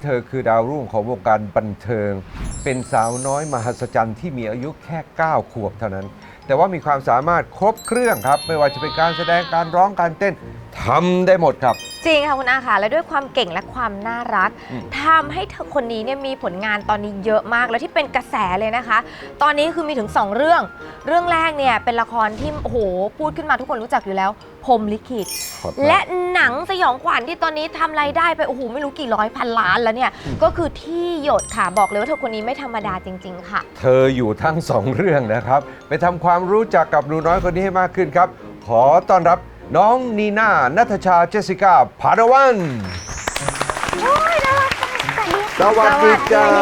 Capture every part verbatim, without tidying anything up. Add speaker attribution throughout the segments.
Speaker 1: ธอคือดาวรุ่งของวงการบันเทิงเป็นสาวน้อยมหัศจรรย์ที่มีอายุแค่เก้าขวบเท่านั้นแต่ว่ามีความสามารถครบเครื่องครับไม่ว่าจะเป็นการแสดงการร้องการเต้นทำได้หมดครับ
Speaker 2: จริงค่ะคุณอาค่ะและด้วยความเก่งและความน่ารักทำให้เธอคนนี้เนี่ยมีผลงานตอนนี้เยอะมากแล้วที่เป็นกระแสเลยนะคะ ตอนนี้คือมีถึงสองเรื่องเรื่องแรกเนี่ยเป็นละครที่โอ้โหพูดขึ้นมาทุกคนรู้จักอยู่แล้วพรหมลิขิตและหนังสยองขวัญที่ตอนนี้ทำรายได้ไปโอ้โหไม่รู้กี่ร้อยพันล้านแล้วเนี่ยก็คือที่หยดค่ะบอกเลยว่าเธอคนนี้ไม่ธรรมดาจริงๆค่ะ
Speaker 1: เธออยู่ทั้งสองเรื่องนะครับไปทำความรู้จักกับหนูน้อยคนนี้ให้มากขึ้นครับขอต้อนรับน้องนีน่าณัฐชาเจสสิก้าพาดาวัน
Speaker 2: โอ้ยน่ารัก
Speaker 1: สวัสดีจ้า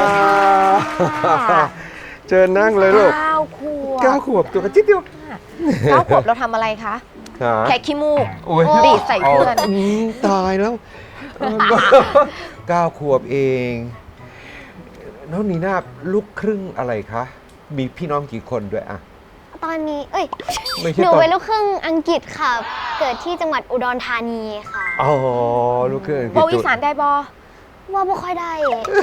Speaker 1: เจอนั่งเลยลูก
Speaker 2: เก้าขวบ
Speaker 1: เก้าขวบตัวกระจิ๊ดเดียว
Speaker 2: เก้าขวบเราทำอะไรคะแค่ขี้มูกดีดใส่เพื่อน
Speaker 1: ตายแล้วเก้าขวบเองน้องนีน่าลูกครึ่งอะไรคะมีพี่น้องกี่คนด้วยอะ
Speaker 3: ตอนนี้เอ้ยหนูเป็นลูกครึ่งอังกฤษค่ะเกิดที่จังหวัดอุดรธานีค่ะ
Speaker 1: อ๋อลูกครึ่งอังกฤษ
Speaker 2: บอกอีสานได้บอ
Speaker 3: ว่าไม่ค่อยได้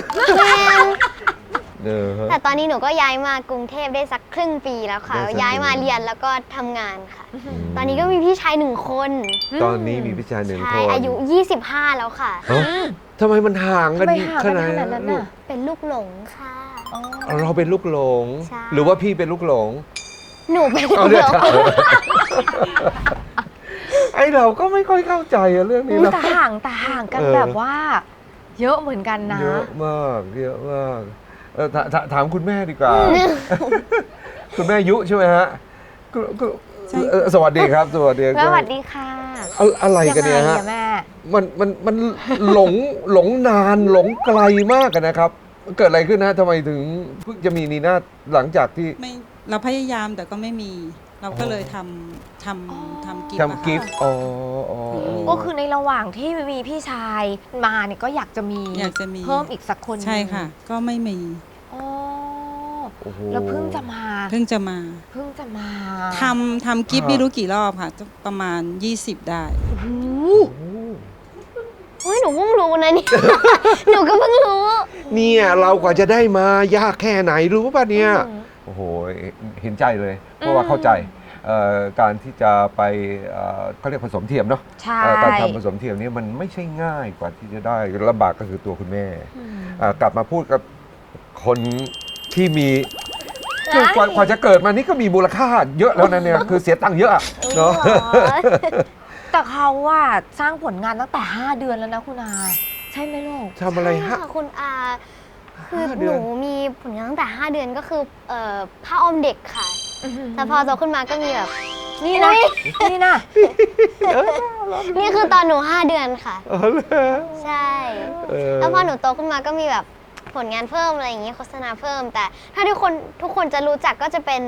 Speaker 3: แต่ตอนนี้หนูก็ย้ายมากรุงเทพได้สักครึ่งปีแล้วค่ะย้ายมาเรียนแล้วก็ทำงานค่ะตอนนี้ก็มีพี่ชายหนึ่งคน
Speaker 1: ตอนนี้มีพี่ชายหนึ่งคน
Speaker 3: อายุยี่สิบห้าแล้วค่ะ
Speaker 1: ทำไมมันห่างกันขนาดนั้นลูก
Speaker 3: เป็นลูกหลงค่ะ
Speaker 1: เราเป็นลูกหลงหรือว่าพี่เป็นลูกหลง
Speaker 3: หนูเป็นลูกหลง
Speaker 1: ไอเราก็ไม่ค่อยเข้าใจเรื่องนี้นะ
Speaker 2: แต่ห่างแต่ห่างกันแบบว่าเยอะเหมือนกันนะ
Speaker 1: เยอะมากเยอะมากถามคุณแม่ดีกว่าคุณแม่ยุใช่ไหมฮะสวัสดีครับสวัสดี
Speaker 2: สวัสดีค่ะ
Speaker 1: อะไรกันเนี่ยฮะมันมันมันหลงหลงนานหลงไกลมากกันนะครับเกิดอะไรขึ้นนะทำไมถึงเพิ่งจะมีนีน่าหลังจากที่
Speaker 4: เราพยายามแต่ก็ไม่มีเราก็เลยทำทำทำกิฟต์
Speaker 1: ทำกิฟต์อ๋อ
Speaker 2: ก็คือในระหว่างที่มีพี่ชายมาเนี่ยก็อยากจะมี
Speaker 4: อยากจะมี
Speaker 2: เพิ่มอีกสักคน
Speaker 4: ใช่ค่ะก็ไม่มี
Speaker 2: แล้วเพิ่งจะมา
Speaker 4: เพิ่งจะมา
Speaker 2: เพิ่งจะมา
Speaker 4: ทำทำกิฟต์ไม่รู้กี่รอบค่ะประมาณยี่สิบได้
Speaker 3: โอ้ยหนูเพิ่งรู้นะนี่หนูก็เพิ่งรู้
Speaker 1: เนี่ยเรากว่าจะได้มายากแค่ไหนรู้ป่ะเนี่ยโอ้โหเห็นใจเลยเพราะว่าเข้าใจการที่จะไปเขาเรียกผสมเทียมเนาะการทำผสมเทียมนี่มันไม่ใช่ง่ายกว่าที่จะได้ลำบากก็คือตัวคุณแม่กลับมาพูดกับคนที่มีกว่าจะเกิดมานี่ก็มีมูลค่าเยอะแล้วนะเนี่ยคือเสียตังค์เยอะเนาะ
Speaker 2: แต่เขาว่าสร้างผลงานตั้งแต่ห้าเดือนแล้วนะคุณอาใช่ไหมลูก
Speaker 1: ทำอะไรฮะ
Speaker 3: คุณอาคือหนูมีผลงานตั้งแต่ห้าเดือนก็คือผ้าอ้อมเด็กค่ะแต่พอโตขึ้นมาก็มีแบบ
Speaker 2: นี่นะนี่นะ
Speaker 3: นี่คือตอนหนูห้าเดือนค่ะใช่แล้วพอหนูโตขึ้นมาก็มีแบบผลงานเพิ่มอะไรอย่างเงี้ยโฆษณาเพิ่มแต่ถ้าทุกคนทุกคนจะรู้จักก็จะเป็น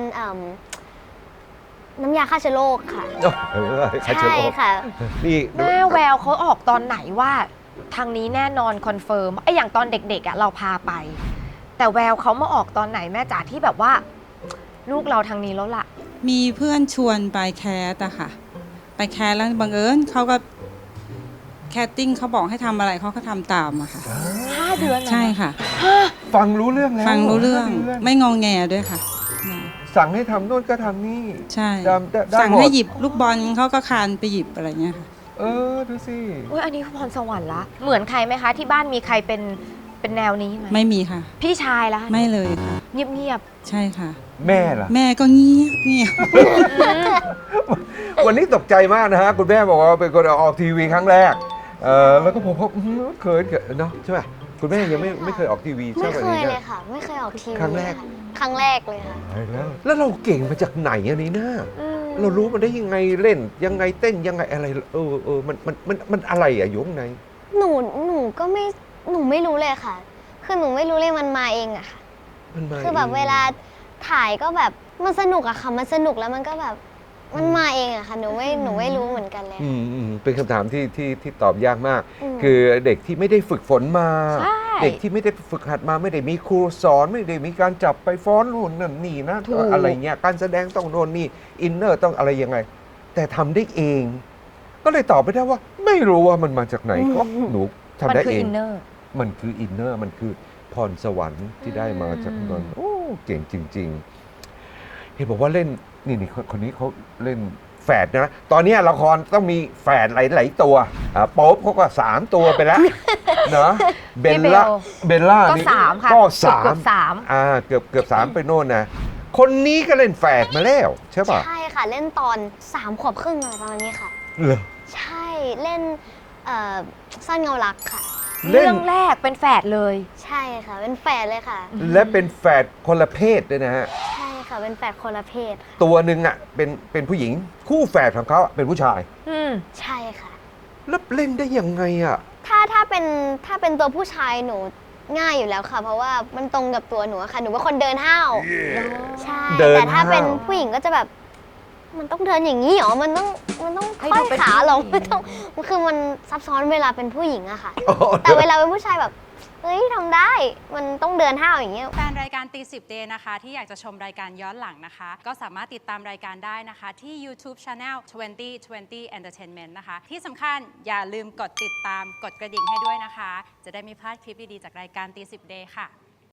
Speaker 3: น้ำยาฆ่าเชื้อโรคค่ะใช่ค่ะ
Speaker 2: นี่แม่แววเขาออกตอนไหนว่าทางนี้แน่นอนคอนเฟิร์มไอ้อย่างตอนเด็กๆอ่ะเราพาไปแต่แววเขามาออกตอนไหนแม่จ๋าที่แบบว่าลูกเราทางนี้แล้วล่ะ
Speaker 4: มีเพื่อนชวนไปแคสอะค่ะไปแคสแล้วบังเอิญเขาก็แคสติ้งเขาบอกให้ทำอะไรเขาก็ทำตามอะค่ะ
Speaker 2: ห้าเดือน
Speaker 4: ใช่ค่ะ
Speaker 1: ฟังรู้เรื่องแล้ว
Speaker 4: ฟังรู้เรื่องไม่งองแงด้วยค่ะ
Speaker 1: สั่งให้ทำโน่นก็ทำนี่
Speaker 4: ใช่สั่งให้หยิบลูกบอลเขาก็คานไปหยิบอะไรเงี้ยค่ะ
Speaker 1: เออดูสิ
Speaker 2: อุ้ยอันนี้คือพรสวรรค์ละเหมือนใครไหมคะที่บ้านมีใครเป็นเป็นแนวนี้ไหม
Speaker 4: ไม่มีค่ะ
Speaker 2: พี่ชายละ
Speaker 4: ไม่เลยค่ะ
Speaker 2: เงียบ
Speaker 4: ๆใช่ค่ะ
Speaker 1: แม่ล่ะ
Speaker 4: แม่ก็เงียบเงียบ
Speaker 1: วันนี้ตกใจมากนะฮะคุณแม่บอกว่าเป็นคนออกทีวีครั้งแรกเออแล้วก็ผมก็เคยเนาะใช่ไหมคุณแม่ยังไม่ไม่เคยออกทีวีใช่ไหม
Speaker 3: ไม่เคยเลยค่ะไม่เคยออกทีวี
Speaker 1: ครั้งแรก
Speaker 3: ครั้งแรกเลยค่ะ
Speaker 1: แล้วแล้วเราเก่งมาจากไหนอันนี้นะเรารู้มันได้ยังไงเล่นยังไงเต้นยังไงอะไรเออเออมันมันมันมันอะไรอะยงไง
Speaker 3: หนูหนูก็ไม่หนูไม่รู้เลยค่ะคือหนูไม่รู้เลยมันมาเองอะค่ะคือแบบเวลาถ่ายก็แบบมันสนุกอะค่ะมันสนุกแล้วมันก็แบบมันมาเองอะค่ะหนูไม่หนูไม่รู้เหมือนกันเลย
Speaker 1: อืมอืมเป็นคำถามที่ที่ที่ตอบยากมากคือเด็กที่ไม่ได้ฝึกฝนมาเด็กที่ไม่ได้ฝึกหัดมาไม่ได้มีครูสอนไม่ได้มีการจับไปฟ้อนนู่นนั่นนี่นะอะไรเงี้ยการแสดงต้องโน่นนี่อินเนอร์ต้องอะไรยังไงแต่ทำได้เองก็เลยตอบไม่ได้ว่าไม่รู้ว่ามันมาจากไหนก็หนูทำได้เองมันคืออินเนอร์มันคือพรสวรรค์ที่ได้มาจากนนท์โอ้เก่งจริงๆเห็นบอกว่าเล่นนี่นี่คนคนนี้เขาเล่นแฝดนะ ตอนนี้ละครต้องมีแฝดหลายๆตัวอ่าโป๊ปเขาก็สามตัวไปแล้ว เนาะเบลล่าเบลล่า
Speaker 2: ก็
Speaker 1: นี่
Speaker 2: สามค่ะ
Speaker 1: ก็สา
Speaker 2: เกื
Speaker 1: ม
Speaker 2: อบสาม
Speaker 1: อ่าเกือบเกือบสามไปโน่นนะคนนี้ก็เล่นแฝดมาแล้วใช่ป่ะ
Speaker 3: ใช่ค่ะเล่นตอนสามขวบครึ่งอะไรประมาณนี้ค่ะ
Speaker 1: เหรอ
Speaker 3: ใช่เล่นเอ่อสั้นเงารักค่ะ
Speaker 1: เล่น
Speaker 2: เรื่องแรกเป็นแฝดเลย
Speaker 3: ใช่ค่ะเป็นแฝดเลยค่ะ
Speaker 1: และเป็นแฝดคนละเพศด้วยนะฮะ
Speaker 3: ใช่ค่ะเป็นแฝดคนละเพศค่ะ
Speaker 1: ตัวหนึ่งอ่ะเป็นเป็นผู้หญิงคู่แฝดของเขาอะเป็นผู้ชาย
Speaker 2: อืม
Speaker 3: ใช่ค่ะ
Speaker 1: แล้วเล่นได้ยังไงอ่ะ
Speaker 3: ถ้าถ้าเป็นถ้าเป็นตัวผู้ชายหนูง่ายอยู่แล้วค่ะ เพราะว่ามันตรงกับตัวหนูอะค่ะหนูเป็นคนเดินห้าวใช่
Speaker 1: เดิน
Speaker 3: แต่ถ้า
Speaker 1: ห้าว
Speaker 3: เป็นผู้หญิงก็จะแบบ มันต้องเดินอย่างนี้เหรอมันต้องมันต้อง
Speaker 2: ให้
Speaker 3: ค่
Speaker 2: ดู
Speaker 3: อย
Speaker 2: เป็น
Speaker 3: ขาลง
Speaker 2: ผู้หญิง
Speaker 3: ไม่ต้องมันคือมันซับซ้อนเวลาเป็นผู้หญิงอะค่ะ
Speaker 1: อ๋อ
Speaker 3: แต่เวลาเป็นผู้ชายแบบเฮ้ยทำได้ มันต้องเดินห้าวอย่างเงี้ย
Speaker 5: แฟนรายการตีสิบเดย์นะคะ ที่อยากจะชมรายการย้อนหลังนะคะ ก็สามารถติดตามรายการได้นะคะ ที่ YouTube Channel ยี่สิบ ยี่สิบ Entertainment นะคะ ที่สำคัญอย่าลืมกดติดตามกดกระดิ่งให้ด้วยนะคะ จะได้ไม่พลาดคลิปดี ๆ จากรายการตีสิบเดย์ค่ะ